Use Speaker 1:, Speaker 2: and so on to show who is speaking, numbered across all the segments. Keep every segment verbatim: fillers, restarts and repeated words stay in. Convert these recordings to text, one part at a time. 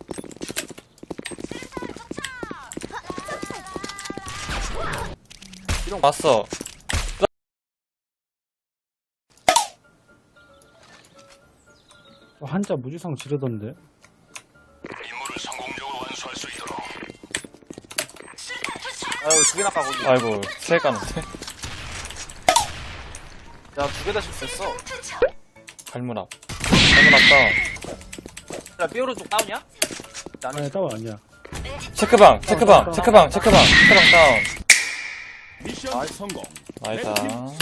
Speaker 1: 왔어.
Speaker 2: 한자 무지성 지르던데.
Speaker 3: 임무를 성공적으로 완수할 수 있도록.
Speaker 4: 아유 두 개나 까고.
Speaker 1: 아이고, 세 가는데?
Speaker 4: 야두 개 다 실수했어.
Speaker 1: 갈문 앞. 갈문 앞 다운.
Speaker 4: 야 삐오르 쪽 다운이야? 나는
Speaker 2: 아니, 따위 아니야.
Speaker 1: 체크방, 체크방, 체크방, 체크방, 체크방 다운.
Speaker 3: 미션 성공.
Speaker 1: 나이다.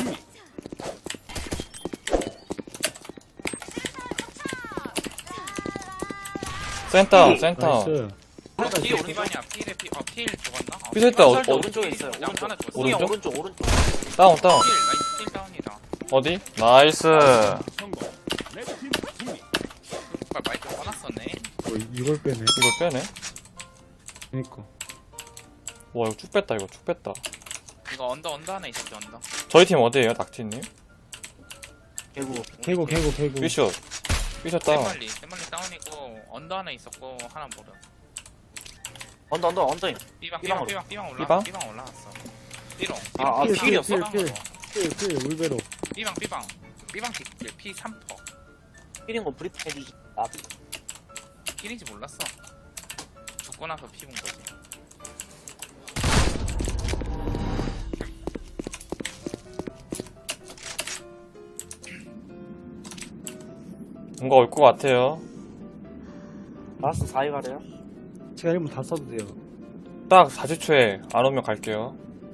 Speaker 1: 센터, 센터.
Speaker 2: 나이스.
Speaker 4: 뒤에 오른쪽.
Speaker 5: 피반이야. 필에 피, 어, 필 죽었나? 어,
Speaker 1: 피설 때 어,
Speaker 4: 설대
Speaker 1: 어,
Speaker 4: 오른쪽에 있어요.
Speaker 5: 양
Speaker 4: 오른쪽.
Speaker 5: 하나 죽었어.
Speaker 4: 오른쪽
Speaker 1: 오른쪽?
Speaker 4: 오른쪽 오른쪽.
Speaker 1: 다운, 다운.
Speaker 5: 필, 나이스 필 다운이다.
Speaker 1: 어디? 나이스.
Speaker 3: 성공. 레드팀 승리.
Speaker 5: 정말 마이크 꺼놨었네.
Speaker 2: 어, 이걸 빼네.
Speaker 1: 이걸 빼네?
Speaker 2: 그니까.
Speaker 1: 와, 이거 쭉 뺐다, 이거 쭉 뺐다.
Speaker 5: 이거 언더 언더 하나 있었지 언더.
Speaker 1: 저희 팀 어디에요, 닥치님?
Speaker 4: 개구.
Speaker 2: 개고, 개고, 개고.
Speaker 1: 삐숏. 삐숏 다운.
Speaker 5: 세멀리 세멀리 다운이고 언더 하나 있었고 하나 모르.
Speaker 4: 언더 언더 언더임.
Speaker 5: 삐방
Speaker 4: 삐방으로.
Speaker 5: 삐방 삐방 삐방 올라.
Speaker 1: 삐방?
Speaker 5: 삐방 올라갔어. 삐롱.
Speaker 4: 아, 아,
Speaker 2: 필,
Speaker 4: 필이었어?
Speaker 2: 필, 필, 필, 필, 울베로.
Speaker 5: 삐방 삐방 삐방 뒷길 피 삼 퍼.
Speaker 4: 필인 거 브리핑 해주지. 아
Speaker 5: 필인지 몰랐어. 죽고 나서 피 본 거지.
Speaker 1: 뭔가 올 것 같아요.
Speaker 4: 라스트 사 위 가래요?
Speaker 2: 제가 일 분 다 써도 돼요.
Speaker 1: 딱 사십 초에 안 오면 갈게요.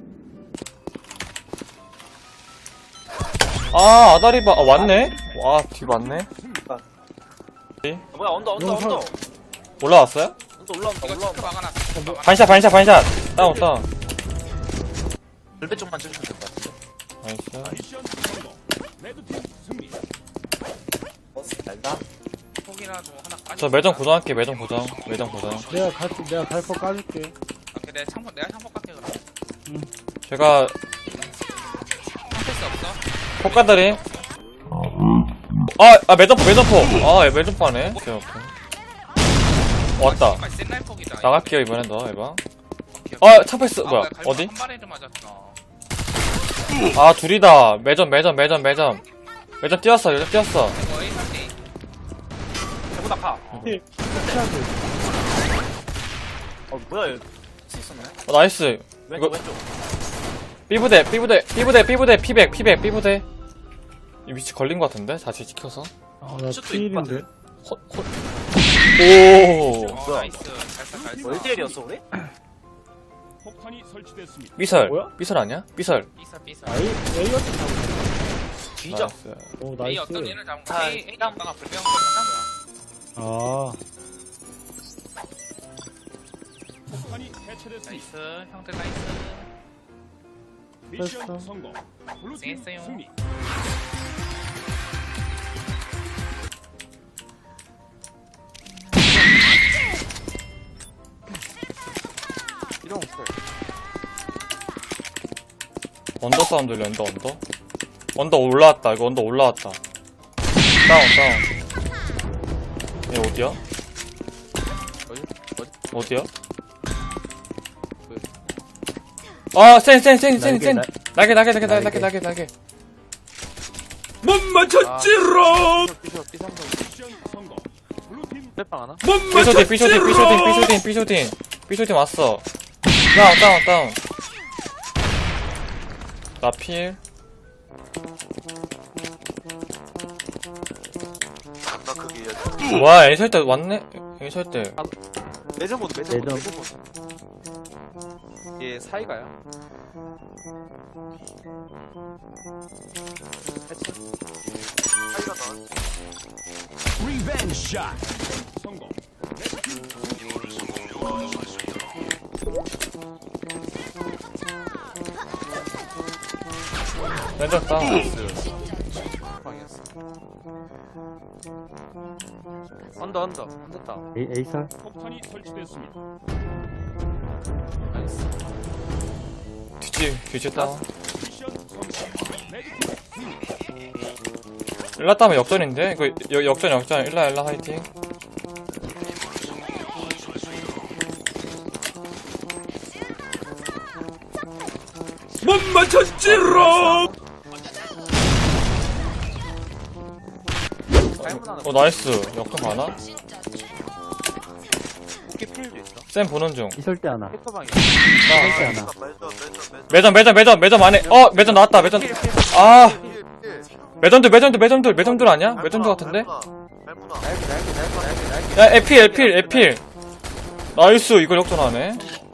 Speaker 1: 아, 아다리바, 아, 왔네? 와, 뒤 왔네?
Speaker 4: 아, 뭐야 언더 언더
Speaker 2: 영상.
Speaker 4: 언더.
Speaker 1: 올라왔어요?
Speaker 4: 언더 올라온다
Speaker 5: 이거 체크
Speaker 4: 올라온다.
Speaker 5: 막아놨어. 체크 막아놨어.
Speaker 1: 반샷, 반샷, 반샷! 다운, 다운.
Speaker 4: 불배 쪽만 찍으면 될 것 같은데.
Speaker 1: 나이스.
Speaker 3: 미션 성공. 레드팀 승리.
Speaker 4: 버스 달다.
Speaker 5: 폭이라도 하나 까지.
Speaker 1: 저 매점 고정할게, 매점 고정. 매점 고정.
Speaker 2: 내가 갈, 내가 갈거 까줄게.
Speaker 5: 오케이 내가 창문 내가 창문 깎게 그럼.
Speaker 1: 제가
Speaker 5: 창패스 없어?
Speaker 1: 폭가들이. 아, 아, 매점포, 매점포. 아, 매점포 하네. 오케이, 오케이. 왔다.
Speaker 5: 아, 씨발, 센날 폭이다.
Speaker 1: 나갈게요, 이번엔 너, 에바.
Speaker 5: 오케이, 오케이.
Speaker 1: 아, 창패스,
Speaker 5: 아,
Speaker 1: 뭐야,
Speaker 5: 뭐야, 갈비
Speaker 1: 어디?
Speaker 5: 한 발에도 맞았어.
Speaker 1: 아, 둘이다. 매점, 매점, 매점, 매점. 매점 뛰었어, 매점 뛰었어.
Speaker 5: 이거 A 삼
Speaker 4: 개구 낙하.
Speaker 2: 필, 피하고.
Speaker 4: 어 뭐야 얘. 수 있었네.
Speaker 1: 어, 나이스.
Speaker 4: 왼쪽
Speaker 1: 이거-
Speaker 4: 왼쪽.
Speaker 1: 삐부대, 삐부대, 삐부대, 삐부대, 피백, 피백, 삐부대. 이 위치 걸린 것 같은데? 다시 지켜서.
Speaker 2: 아, 나
Speaker 4: 슛도
Speaker 2: 필인데.
Speaker 1: 호, 호. 오.
Speaker 5: 어,
Speaker 4: 뭐야?
Speaker 5: 나이스. 잘 써, 잘 써.
Speaker 4: 뭐 일 대 일이었어 우리?
Speaker 3: 폭탄이 설치됐습니다.
Speaker 1: 삐설.
Speaker 2: 뭐야?
Speaker 1: 삐설 아니야? 삐설.
Speaker 5: 삐사, 삐사.
Speaker 2: 아, A, A였지, 잡은
Speaker 4: 뒤져.
Speaker 1: 나이스.
Speaker 2: 오,
Speaker 5: A
Speaker 2: 나이스.
Speaker 5: 어떤 얘를 잡은
Speaker 4: 아,
Speaker 5: 거야? A, A 오빠가 불병 거야.
Speaker 2: 아,
Speaker 3: 폭탄이 해체됐습니다.
Speaker 5: 나이스. 형들 나이스.
Speaker 3: 미션
Speaker 2: 됐어.
Speaker 3: 성공. 블루팀
Speaker 5: 고생했어요.
Speaker 3: 승리.
Speaker 4: 이런 거.
Speaker 1: 언더 사운드 들려, 언더, 언더. 언더 올라왔다, 이거 언더 올라왔다. 다운, 다운. 얘 어디야?
Speaker 4: 어디? 어디?
Speaker 1: 어디야? 아, 센, 센, 센, 센, 센. 날개, 날개, 날개, 날개, 날개, 날개, 날개.
Speaker 4: 못 맞췄지롱. 삐쇼 삐삼성.
Speaker 3: 미션 성공. 블루팀
Speaker 4: 빼빵 하나?
Speaker 1: 삐쇼딘, 삐쇼딘, 삐쇼딘, 삐쇼딘, 삐쇼딘. 삐쇼딘 왔어. 다운, 다운, 다운. 나 필.
Speaker 4: 나 그게
Speaker 1: 와, 애설 때 왔네? 애설 때.
Speaker 4: 매점 모드 매점 모드
Speaker 2: 매점.
Speaker 4: 매점 모드. 얘 사이가야. 해체. 사이가 나.
Speaker 3: 리벤지 샷. 성공. 레드팀
Speaker 4: 임무를 성공적으로 완수할 수 있도록.
Speaker 1: 매점 다운.
Speaker 4: 방이었어. 언더 언더 언더 따.
Speaker 2: A, A살?
Speaker 3: 폭탄이 설치됐습니다.
Speaker 4: 나이스.
Speaker 1: 뒤지, 뒤지 다운.
Speaker 3: 미션 성공. 레드팀 승리.
Speaker 1: 일라 따면 역전인데? 이거 여, 역전, 역전. 일라, 일라 화이팅.
Speaker 3: 못 맞췄지롱.
Speaker 1: 어 나이스. 역전 가나?
Speaker 4: 오케이 필도 있어.
Speaker 1: 쌤 보는 중.
Speaker 2: 이설 때 하나.
Speaker 4: 해커방이.
Speaker 2: 이설 때 하나.
Speaker 4: 매점 매점 매점.
Speaker 1: 매점 매점 매점 매점 안에. 어 매점 나왔다. 매점. 아 매점들 매점들 매점들 매점들 아니야? 매점들 같은데?
Speaker 4: 날개 날개 날개 날개 날개.
Speaker 1: 야 에필 에필 에필. 나이스 이걸 역전하네.